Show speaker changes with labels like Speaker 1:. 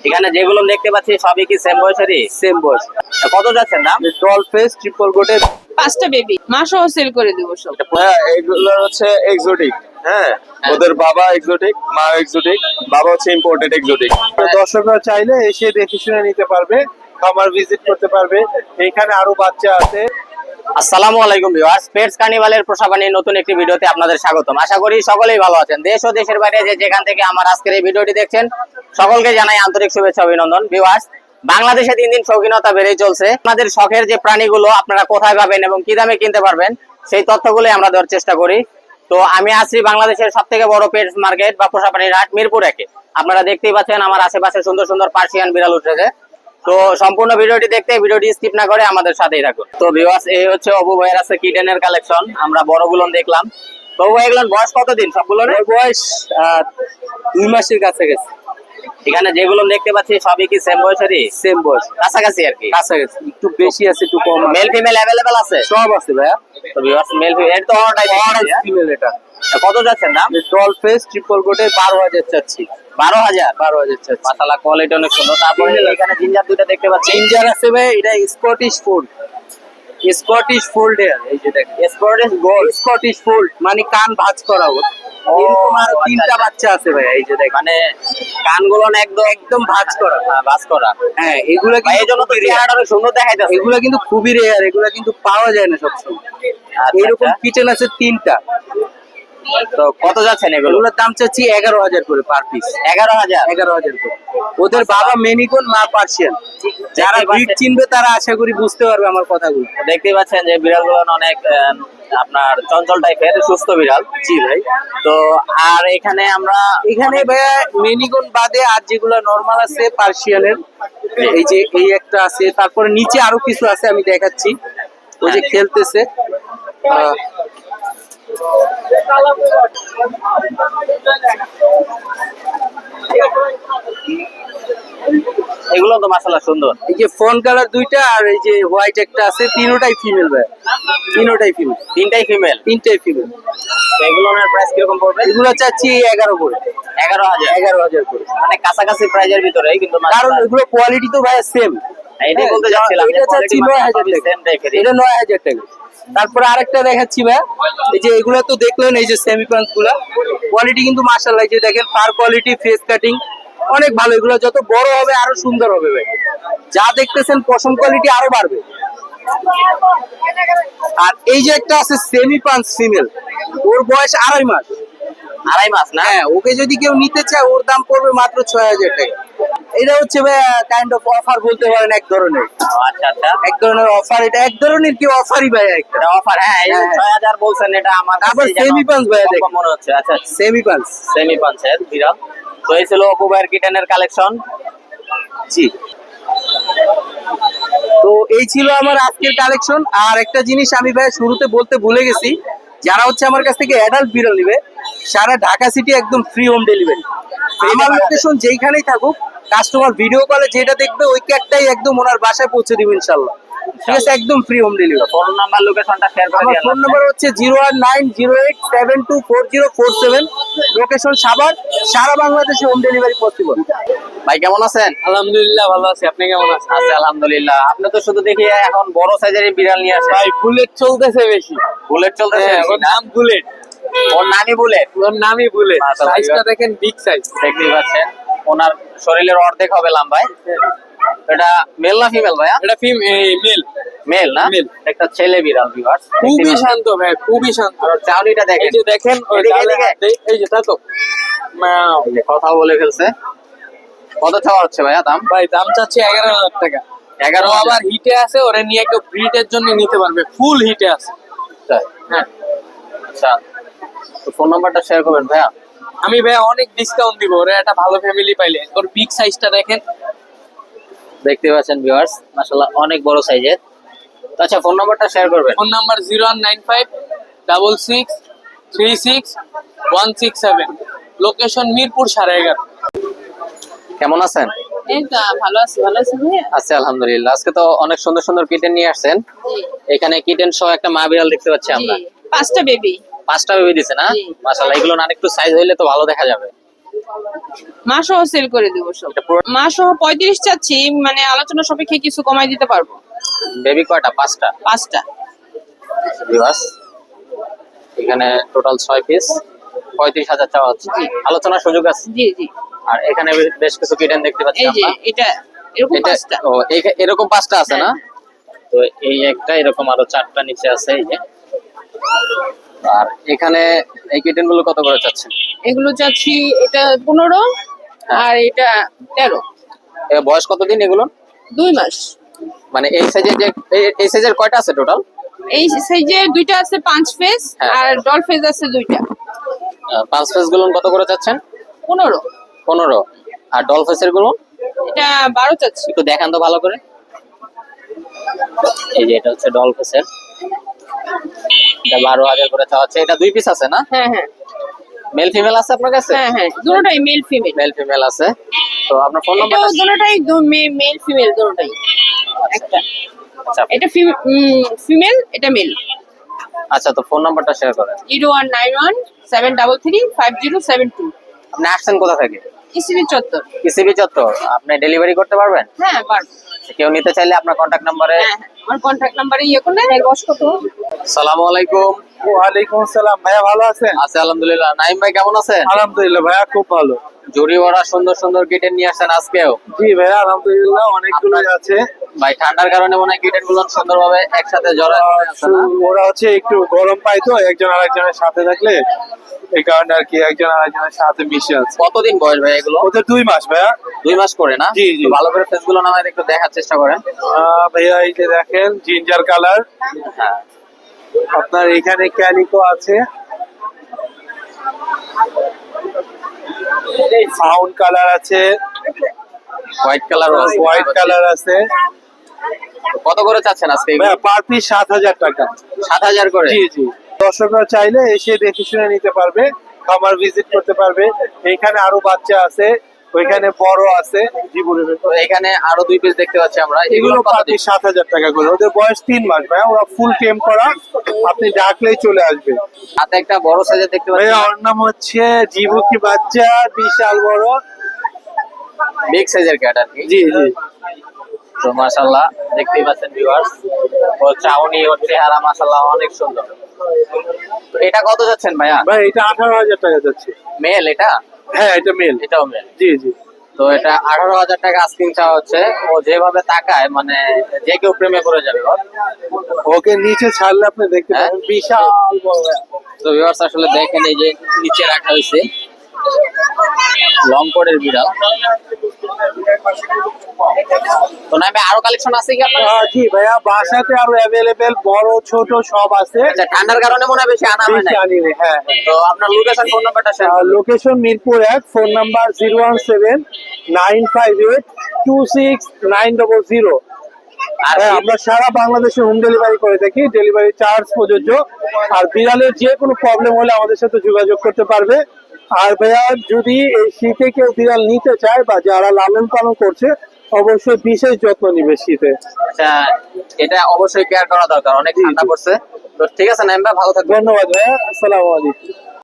Speaker 1: এখানে যেগুলো দেখতে পাচ্ছি সবই কি সেম বয়সেরই?
Speaker 2: সেম বয়স।
Speaker 1: কত যাচ্ছেন দাম?
Speaker 2: ডল ফেস ট্রিপল কোটের
Speaker 3: 5টা বেবি মা সহ সেল করে দেবো সব।
Speaker 2: হ্যাঁ, এগুলো হচ্ছে এক্সোটিক। হ্যাঁ, ওদের বাবা এক্সোটিক, মা এক্সোটিক, বাবা হচ্ছে ইম্পোর্টেড এক্সোটিক। দর্শকরা চাইলে এসে দেখে শুনে নিতে পারবে, খামার ভিজিট করতে পারবে। এখানে আরো বাচ্চা আছে।
Speaker 1: আসসালামু আলাইকুম ভিউয়ার্স, পেটস কার্নিভালের পোষাপ্রাণীর নতুন একটি ভিডিওতে আপনাদের স্বাগতম। আশা করি সকলেই ভালো আছেন। দেশ ও দেশের বাইরে যেখান থেকে আমার আজকের এই ভিডিওটি দেখছেন সকলকে জানাই আন্তরিক শুভেচ্ছা অভিনন্দন। ভিউয়ার্স, বাংলাদেশে দিন দিন শৌখিনতা বেড়েই চলছে। আপনাদের শখের যে প্রাণীগুলো আপনারা কোথায় পাবেন এবং কি দামে কিনতে পারবেন সেই তথ্যগুলোই আমরা দেওয়ার চেষ্টা করি। তো আমি আছি বাংলাদেশের সবথেকে বড় পেটস মার্কেট বা পোষাপ্রাণীর হাট মিরপুর একে। আপনারা দেখতেই পাচ্ছেন আমার আশেপাশে সুন্দর সুন্দর পার্সিয়ান বিড়াল উঠেছে। তো সম্পূর্ণ ভিডিওটি দেখতে ভিডিওটি স্কিপ না করে আমাদের সাথেই থাকুন। তো ভিউয়ার্স, এই হচ্ছে অপু ভাইয়ের আছে কিটেনের কালেকশন। আমরা বড়গুলো দেখলাম। তো অপু ভাই, এগুলোর বয়স কতদিন সবগুলোর?
Speaker 2: বয়স 2 মাসের কাছে গেছে।
Speaker 1: এখানে যেগুলো দেখতে পাচ্ছি সবই কি সেম বয়সেরই?
Speaker 2: সেম বয়স,
Speaker 1: কাছাকাছি আর কি।
Speaker 2: কাছাকাছি, একটু বেশি আছে একটু কম আছে।
Speaker 1: মেল ফিমেল अवेलेबल আছে?
Speaker 2: সব আছে ভাইয়া।
Speaker 1: তো ভিউয়ার্স, মেল ফিমেল তো অর্ডার
Speaker 2: ফিমেল এটা।
Speaker 1: কত যাচ্ছেন দাম?
Speaker 2: ডল ফেস ট্রিপল কোটের 12,000 চাচ্ছি।
Speaker 1: 12,000?
Speaker 2: 12,000 চাচ্ছি।
Speaker 1: মাশাআল্লাহ, কোয়ালিটি অনেক সুন্দর। তারপরে এখানে জিঞ্জার দুটো দেখতে পাচ্ছি।
Speaker 2: জিঞ্জার আছে ভাই, এটা স্কটিশ ফোল্ড। স্কটিশ ফোল্ড এর, এই যে দেখেন
Speaker 1: স্পোর্টিস গোল্ড।
Speaker 2: স্কটিশ ফোল্ড মানে কান ভাঁজ করা ওর। এরকম আরো 3টা বাচ্চা আছে ভাই, এই যে দেখেন।
Speaker 1: মানে কানগুলো না একদম
Speaker 2: একদম ভাঁজ করা।
Speaker 1: হ্যাঁ, বাস করা।
Speaker 2: হ্যাঁ, এগুলা
Speaker 1: ভাই, এই জন্য তো চেহারাটা অনেক সুন্দর দেখাইতেছে।
Speaker 2: এগুলা কিন্তু খুবই রেয়ার, এগুলা কিন্তু পাওয়া যায় না সবসময়।
Speaker 1: আচ্ছা,
Speaker 2: এরকম
Speaker 1: আচ্ছা।
Speaker 2: কিচেন আছে 3টা।
Speaker 1: তো কত যাচ্ছেন এগুলো?
Speaker 2: এগুলোর দাম চাচ্ছি 11,000 করে পার পিস।
Speaker 1: 11,000?
Speaker 2: 11,000 করে। ওদের বাবা মেনিকন, মা পার্সিয়ান। যারা ব্রিড চিনবে তারা আশা করি বুঝতে পারবে আমার কথাগুলো।
Speaker 1: দেখতেই পাচ্ছেন যে বিড়ালগুলো অনেক আপনার চঞ্চল টাইপের, সুস্থ বিড়াল।
Speaker 2: জি ভাই।
Speaker 1: তো আর এখানে আমরা
Speaker 2: এখানে ভাইয়া মেনিকন বাদে আর যেগুলো নরমাল আছে পার্সিয়ানের, এই যে এই একটা আছে, তারপরে নিচে আরো কিছু আছে, আমি দেখাচ্ছি। ওই যে খেলতেছে।
Speaker 1: এগুলো তো মাশাআল্লাহ সুন্দর।
Speaker 2: এই যে ফোন কালার 2টা আর এই যে হোয়াইট একটা আছে, তিনটাই ফিমেল ভাই। তিনটাই ফিমেল।
Speaker 1: তিনটাই ফিমেল?
Speaker 2: তিনটাই ফিমেল।
Speaker 1: এগুলোর প্রাইস কিরকম পড়বে?
Speaker 2: এগুলো চাচ্ছি 11 করে।
Speaker 1: 11,000?
Speaker 2: 11,000 করে।
Speaker 1: মানে কাছাকাছি প্রাইজের ভিতরে, কিন্তু
Speaker 2: কারণ এগুলো কোয়ালিটি তো ভাই সেম।
Speaker 1: এটাই বলতে যাচ্ছিলাম।
Speaker 2: এটা চাচ্ছি 9,000 টাকা।
Speaker 1: সেম টাইপের।
Speaker 2: এটা 9,000 টাকা। তারপরে আরেকটা দেখাচ্ছি ভাই, এই যে এগুলো তো দেখলেন, এই যে সেমি পাঞ্চ গুলা কোয়ালিটি কিন্তু মাশাআল্লাহ। এই যে দেখেন ফার কোয়ালিটি, ফেস কাটিং অনেক ভালো। এগুলো যত বড় হবে আরো সুন্দর হবে ভাই। যা দেখতেছেন পশম কোয়ালিটি আরো বাড়বে। আর এই যে একটা আছে সেমি পাঞ্চ ফিমেল, ওর বয়স 2.5 মাস।
Speaker 1: 2.5 মাস না?
Speaker 2: হ্যাঁ, ওকে যদি কেউ নিতে চায় ওর দাম পড়বে মাত্র 6,000 টাকা। এটা হচ্ছে ভাই কাইন্ড অফ অফার বলতে পারেন, এক ধরনের।
Speaker 1: আচ্ছা আচ্ছা,
Speaker 2: এক ধরনের অফার, এটা এক ধরনের কি অফারই ভাই একটা।
Speaker 1: এটা অফার। হ্যাঁ, এই 6,000 বলছেন, এটা আমার
Speaker 2: আবার
Speaker 1: কাছে যেন
Speaker 2: সেমি পাঞ্চ ভাই
Speaker 1: কম
Speaker 2: দেখেন।
Speaker 1: মনে হচ্ছে। আচ্ছা,
Speaker 2: সেমি পাঞ্চ।
Speaker 1: সেমি পাঞ্চের বিড়াল। তো এই ছিল অপু ভাইয়ের কিটেনের কালেকশন।
Speaker 2: জি। তো এই ছিল আমার আজকের কালেকশন। আর একটা জিনিস আমি ভাই শুরুতে বলতে ভুলে গেছি, যারা হচ্ছে আমার কাছ থেকে অ্যাডাল্ট বিড়াল নিবে সারা ঢাকা সিটি একদম ফ্রি হোম ডেলিভারি। আমার লোকেশন যেইখানেই থাকুক, কাস্টমার ভিডিও কলে যেটা দেখবে ওই ক্যাকটাই একদম ওনার বাসায় পৌঁছে দিব ইনশাল্লাহ। ঠিক আছে, একদম free home delivery.
Speaker 1: Phone number, লোকেশনটা শেয়ার করে
Speaker 2: আমার
Speaker 1: দিন।
Speaker 2: ফোন নাম্বার হচ্ছে 01908724047। লোকেশন সাভার। সারা বাংলাদেশে হোম ডেলিভারি পসিবল।
Speaker 1: ভাই, কেমন আছেন?
Speaker 2: আলহামদুলিল্লাহ ভালো আছি, আপনি কেমন আছেন?
Speaker 1: আছি আলহামদুলিল্লাহ। আপনি তো শুধু দেখি এখন বড় সাইজের বিড়াল নিয়ে আসেন।
Speaker 2: ভাই বুলেট চলতেছে বেশি।
Speaker 1: বুলেট চলতেছে?
Speaker 2: হ্যাঁ, ওর নাম বুলেট।
Speaker 1: ওর নামই বুলেট?
Speaker 2: ওর নামই বুলেট।
Speaker 1: মাশাআল্লাহ।
Speaker 2: সাইজটা দেখেন, বিগ সাইজ।
Speaker 1: দেখতেই পাচ্ছেন ওনার শরীরের অর্ধেক হবে লম্বায়। এটা মেল না ফিমেল ভাইয়া?
Speaker 2: এটা মেল।
Speaker 1: মেল না?
Speaker 2: Male।
Speaker 1: একটা ছেলে বিড়াল ভিউয়ার্স।
Speaker 2: খুবই শান্ত ভাই, খুবই শান্ত।
Speaker 1: আর চাউনিটা দেখেন।
Speaker 2: এই যে দেখেন, ওই
Speaker 1: এদিকে,
Speaker 2: ডালে
Speaker 1: এদিকে।
Speaker 2: হাত দেই, এই যে তাতো মাও।
Speaker 1: এই যে কথা বলে ফেলছে। কত চাওয়া হচ্ছে ভাইয়া দাম?
Speaker 2: ভাই দাম চাচ্ছে 11,000 টাকা।
Speaker 1: 11,000?
Speaker 2: ও আবার হিটে আছে, ওরে নিয়ে কেউ ব্রিডের জন্য নিতে পারবে, ফুল হিটে আছে। হ্যাঁ,
Speaker 1: আচ্ছা, তো ফোন নাম্বারটা শেয়ার করবেন ভাইয়া।
Speaker 2: আমি ভাই অনেক ডিসকাউন্ট দিব ওরে, একটা ভালো ফ্যামিলি পাইলে। ওর বিগ সাইজটা দেখেন।
Speaker 1: দেখতে পাচ্ছেন ভিউয়ার্স, মাশাআল্লাহ অনেক বড় সাইজের। তো আচ্ছা, ফোন নাম্বারটা শেয়ার করবেন।
Speaker 2: Phone number 01956636167। লোকেশন মিরপুর 11.5।
Speaker 1: কেমন আছেন?
Speaker 3: এই তো ভালো আছি ভাইয়া।
Speaker 1: আচ্ছা, আলহামদুলিল্লাহ। আজকে তো অনেক সুন্দর সুন্দর কিটেন নিয়ে আসছেন। এখানে কিটেন সহ একটা মা বিড়াল দেখতে পাচ্ছি আমরা।
Speaker 3: 5টা বেবি।
Speaker 1: 5টা বেবি দিছে না?
Speaker 3: জি।
Speaker 1: মাশাআল্লাহ, এগুলো না একটু সাইজ হইলে তো ভালো দেখা যাবে।
Speaker 3: মা সহ সেল করে দেবো সব।
Speaker 1: এটা পুরো
Speaker 3: মা সহ 35 চাচ্ছি, মানে আলোচনা সাপেক্ষে কিছু কমাই দিতে পারবো।
Speaker 1: বেবি কয়টা? 5টা।
Speaker 3: 5টা।
Speaker 1: ভিউয়ার্স, এখানে টোটাল 6 পিস, 35,000 চাওয়া হচ্ছে। আলোচনার সুযোগ আছে।
Speaker 3: জি জি।
Speaker 1: আর এখানে বেশ কিছু কিটেন দেখতে পাচ্ছি
Speaker 3: এই যে
Speaker 1: আমরা।
Speaker 3: এটা এরকম
Speaker 1: এটা
Speaker 3: 5টা।
Speaker 1: ও এরকম 5টা আছে না? তো এই একটা, এরকম আরো 4টা নিচে আছে এই যে। আর এখানে এই কিটেন গুলো কত করে চাচ্ছেন?
Speaker 3: এগুলো চাচ্ছি, এটা 15 আর এটা 13।
Speaker 1: এর বয়স কতদিন এগুলো?
Speaker 3: 2 মাস।
Speaker 1: মানে এই সাইজে যে এই সাইজের কয়টা আছে টোটাল?
Speaker 3: এই সাইজে 2টা আছে 5 ফেস,
Speaker 1: হ্যাঁ।
Speaker 3: আর ডল ফেস আছে 2টা।
Speaker 1: 5 পিস গুলো কত করে চাচ্ছেন?
Speaker 3: 15।
Speaker 1: 15। আর ডল ফেসের গুলো
Speaker 3: এটা 12 চাচ্ছি।
Speaker 1: একটু দেখান তো ভালো করে। এই যে এটা হচ্ছে ডল ফেসের, এটা 12,000 করে চাওয়া হচ্ছে। এটা 2 পিস আছে না?
Speaker 3: হ্যাঁ হ্যাঁ
Speaker 1: মেল ফিমেল আছে আপনার কাছে?
Speaker 3: হ্যাঁ হ্যাঁ, দুটোটাই মেল ফিমেল।
Speaker 1: মেল ফিমেল আছে। তো আপনার ফোন
Speaker 3: এটাও
Speaker 1: নাম্বারটা?
Speaker 3: দুটোটাই মেল ফিমেল দুটোটাই। একটা
Speaker 1: আচ্ছা
Speaker 3: এটা ফিমেল, এটা মেল।
Speaker 1: আচ্ছা, তো ফোন নাম্বারটা শেয়ার করেন।
Speaker 3: 0191 733 5072।
Speaker 1: আপনি আসছেন কোথা থেকে?
Speaker 3: ইসিবি চত্বর।
Speaker 1: ইসিবি চত্বর। আপনি ডেলিভারি করতে পারবেন?
Speaker 3: হ্যাঁ পারবো।
Speaker 1: কেউ নিতে চাইলে আপনার কন্ট্যাক্ট নাম্বারে।
Speaker 3: হ্যাঁ হ্যাঁ, আমার কন্ট্যাক্ট নাম্বারে ইয়ে করলে বস কত।
Speaker 1: আসসালামু আলাইকুম।
Speaker 2: ওয়ালাইকুম আসসালাম ভাইয়া, ভালো আছেন?
Speaker 1: আছে আলহামদুলিল্লাহ। নাইম ভাই কেমন আছেন?
Speaker 2: আলহামদুলিল্লাহ ভাইয়া, খুব ভালো।
Speaker 1: জুড়ি ভরা সুন্দর সুন্দর কিটেন নিয়ে আসছেন আজকেও।
Speaker 2: জি ভাইয়া, আলহামদুলিল্লাহ অনেকগুলোই আছে।
Speaker 1: ভাই ঠান্ডার কারণে মনে হয় কিটেন গুলো সুন্দরভাবে একসাথে জড়া আছে না?
Speaker 2: ওরা হচ্ছে একটু গরম পায় তো একজন আরেকজনের সাথে থাকলে, এই কারণে আর কি একজন আরেকজনের সাথে মিশে আছে।
Speaker 1: কতদিন বয়স ভাই এগুলো?
Speaker 2: ওদের 2 মাস ভাইয়া।
Speaker 1: 2 মাস করে না?
Speaker 2: জি, জি।
Speaker 1: তো ভালো করে ফেস গুলো নামায় একটু দেখার চেষ্টা করেন।
Speaker 2: ভাইয়া এই যে দেখেন, জিঞ্জার কালার,
Speaker 1: হ্যাঁ,
Speaker 2: আপনার এখানে ক্যালিকো আছে, ফাউন্ড কালার আছে,
Speaker 1: হোয়াইট কালার আছে।
Speaker 2: হোয়াইট কালার আছে।
Speaker 1: কত করে চাচ্ছেন আজকে এগুলো?
Speaker 2: ভাইয়া পার পিস 7,000 টাকা।
Speaker 1: 7,000 করে?
Speaker 2: জি জি। দর্শকরা চাইলে এসে দেখে শুনে নিতে পারবে, খামার ভিজিট করতে পারবে। এইখানে আরো বাচ্চা আছে, ওইখানে বড় আছে।
Speaker 1: তো এখানে আরো 2 পিস দেখতে পাচ্ছি আমরা।
Speaker 2: এগুলো
Speaker 1: এগুলো
Speaker 2: পার পিস 7,000 টাকা করে। ওদের বয়স 3 মাস ভাইয়া, ওরা ফুল টেম করা, আপনি ডাকলেই চলে আসবে।
Speaker 1: হাতে একটা বড় সাইজের দেখতে পাচ্ছি।
Speaker 2: ভাইয়া ওর নাম হচ্ছে জিবুকি বাচ্চা, বিশাল বড়।
Speaker 1: বিগ সাইজের ক্যাট আর কি।
Speaker 2: জি জি।
Speaker 1: তো মাশাআল্লাহ দেখতেই পাচ্ছেন ভিউয়ার্স, ওর চাউনি ওর চেহারা মাশাআল্লাহ অনেক সুন্দর। তো এটা কত যাচ্ছেন ভাইয়া?
Speaker 2: ভাই এটা 18,000 টাকা যাচ্ছে।
Speaker 1: মেল এটা?
Speaker 2: হ্যাঁ এটা মেল।
Speaker 1: এটাও মেল।
Speaker 2: জি জি।
Speaker 1: তো এটা 18,000 টাকা আস্কিং চাওয়া হচ্ছে। ও যেভাবে তাকায় মানে যে কেউ প্রেমে পড়ে যাবে ওর।
Speaker 2: ওকে নিচে ছাড়লে আপনি দেখতে
Speaker 1: হ্যাঁ?
Speaker 2: পাবেন, বিশাল বড় ভাইয়া।
Speaker 1: তো ভিউয়ার্স আসলে দেখেন এই যে নিচে রাখা হয়েছে লং কোটের বিড়াল। তো না ভাই আরো কালেকশন আছে কি আপনার?
Speaker 2: জি ভাইয়া, বাসাতে আরো অ্যাভেলেবেল বড় ছোট সব আছে।
Speaker 1: আচ্ছা, ঠান্ডার কারণে মনে হয় বেশি আনা হয় না।
Speaker 2: বেশি আনি না, হ্যাঁ।
Speaker 1: তো আপনার লোকেশন ফোন নাম্বারটা শেয়ার করুন।
Speaker 2: Location Mirpur 1, phone number 017-958-26900।
Speaker 1: আর
Speaker 2: হ্যাঁ, আমরা সারা বাংলাদেশে হোম ডেলিভারি করে থাকি, ডেলিভারি চার্জ প্রযোজ্য। আর বিড়ালের যে কোনো প্রবলেম হলে আমাদের সাথে যোগাযোগ করতে পারবে। আর ভাইয়া যদি এই শীতে কেউ বিড়াল নিতে চায় বা যারা লালন পালন করছে, অবশ্যই বিশেষ যত্ন নিবে শীতে।
Speaker 1: আচ্ছা, এটা অবশ্যই কেয়ার করা দরকার, অনেক ঠান্ডা পড়ছে। তো ঠিক আছে নাইম ভাই, ভালো থাকবেন।
Speaker 2: ধন্যবাদ ভাইয়া, আসসালামু আলাইকুম।